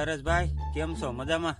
હરેશભાઈ, કેમ છો? મજામાં?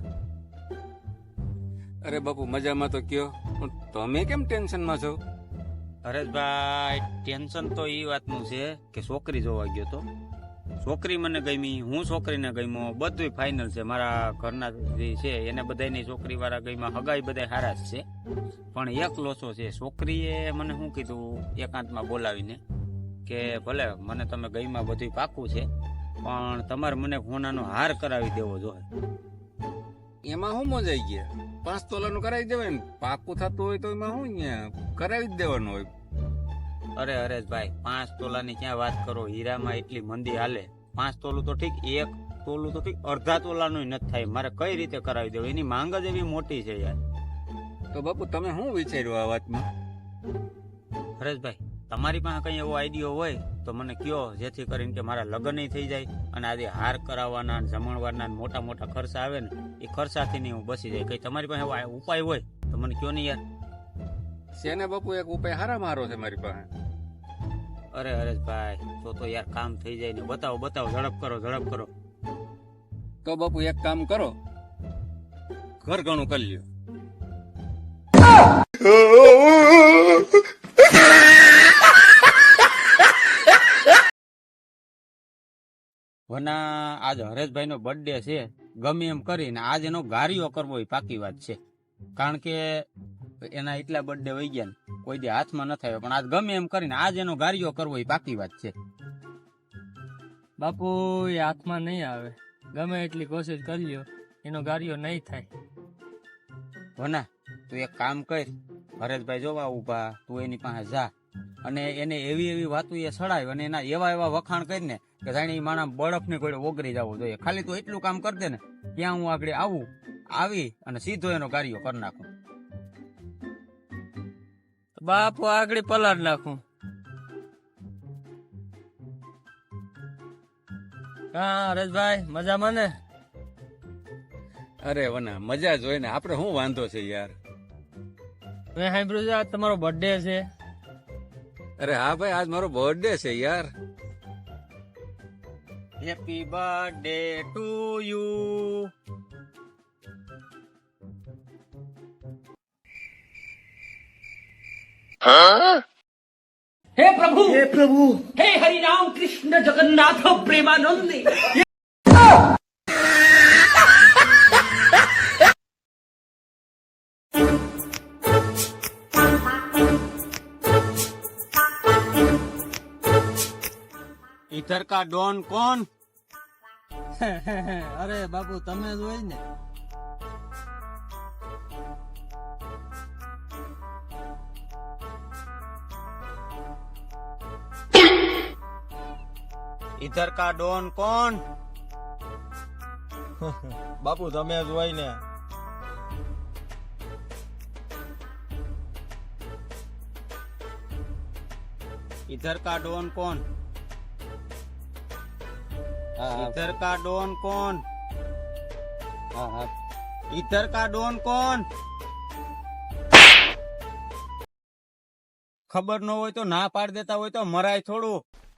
અરે બાપુ મજામાં તો કયો, પણ તમે કેમ ટેન્શનમાં છો? હરેશભાઈ, ટેન્શન તો એ વાતનું છે કે છોકરી જોવા ગયો તો. છોકરી મને ગમી, હું છોકરીને ગમ્યો, બધું ફાઇનલ છે. મારા ઘરના જે છે એને બધાની છોકરી વાળા ગમ્યા, હગાઈ બધા હારા જ છે. પણ એક લોચો છે, છોકરીએ મને શું કીધું એકાંતમાં બોલાવીને કે ભલે મને તમે ગઈમાં બધું પાકું છે, પણ તમારે મને સોનાનો હાર કરાવી દેવો જોઈએ. એમાં શું મજાઈ ગયા? 5 તોલાનું કરાવી દેવાય ને, પાકું થતું હોય તો એમાં શું અહીંયા કરાવી જ દેવાનું હોય. અરે હરેશભાઈ, 5 તોલાની ક્યાં વાત કરો? હીરામાં એટલી મંદી હાલે. 5 તોલું તો ઠીક, 1 તોલું તો ઠીક, અડધા તોલાનું નથી થાય. મારે કઈ રીતે કરાવી દેવું? એની માંગ જ એવી મોટી છે યાર. તો બાપુ તમે શું વિચાર્યું આ વાતમાં? હરેશભાઈ, તમારી પાસે કઈ એવો આઈડિયો હોય તો મને કયો, જેથી કરીને કે મારા લગ્ન થઈ જાય અને આજે હાર કરાવવાના, જમણવારના મોટા મોટા ખર્ચા આવે ને, એ ખર્ચાથી નહીં હું બચી જાય. કઈ તમારી પાસે એવો ઉપાય હોય તો મને કયો ને યાર. શેને બાપુ, એક ઉપાય હારા મારો છે મારી પાસે. અરે હરેશભાઈ, તો યાર કામ થઈ જાય ને. બતાવો બતાવો, ઝડપ કરો ઝડપ કરો. તો બાપુ એક કામ કરો, ઘર ઘણું કરી લ્યો. વના આજ હરેશભાઈ નો બર્થડે છે, ગમે એમ કરીને આજ એનો ગારીઓ કરવો એ પાકી વાત છે. કારણ કે એના એટલા બર્થડે વહી ગયા ને કોઈ દે હાથમાં ન થાય, પણ આજ ગમે એમ કરીને આજ એનો ગારીઓ કરવો એ પાકી વાત છે. બાપુ એ હાથમાં નહીં આવે, ગમે એટલી કોશિશ કરી લ્યો એનો ગારિયો નહીં થાય. વના તું એક કામ કર, હરેશભાઈ જોવા ઉભા, તું એની પાસે જા અને એને એવી એવી વાતો એ સડાય અને એના એવા એવા વખાણ કરીને કે જાણે એ માણસ બરફ ને કોઈ ઓગરી જવો જોઈએ. ખાલી તું એટલું કામ કરી દે ને, ત્યાં હું આગળ આવી અને સીધો એનો ગારીઓ કરી નાખું. બાપુ આગળ પલાળ નાખું. હા હરેશભાઈ, મજામાં ને? અરે વના મજા જ હોય ને, આપણે શું વાંધો છે યાર. મેં સાંભળ્યું છે આજ તમારો બર્થડે છે. અરે હા ભાઈ, આજ મારો બર્થડે છે યાર. Happy birthday to you. हे प्रभु हे हरि राम कृष्ण जगन्नाथ प्रेमानंद। इधर का डॉन कौन? અરે બાપુ તમે જ હોય ને. इधर का डॉन कौन? બાપુ તમે જ હોય ને. इधर का डॉन कौन? इधर का डॉन कौन? इधर का डॉन कौन? ખબર ન હોય તો ના પાડ દેતા હોય તો મરાય થોડું.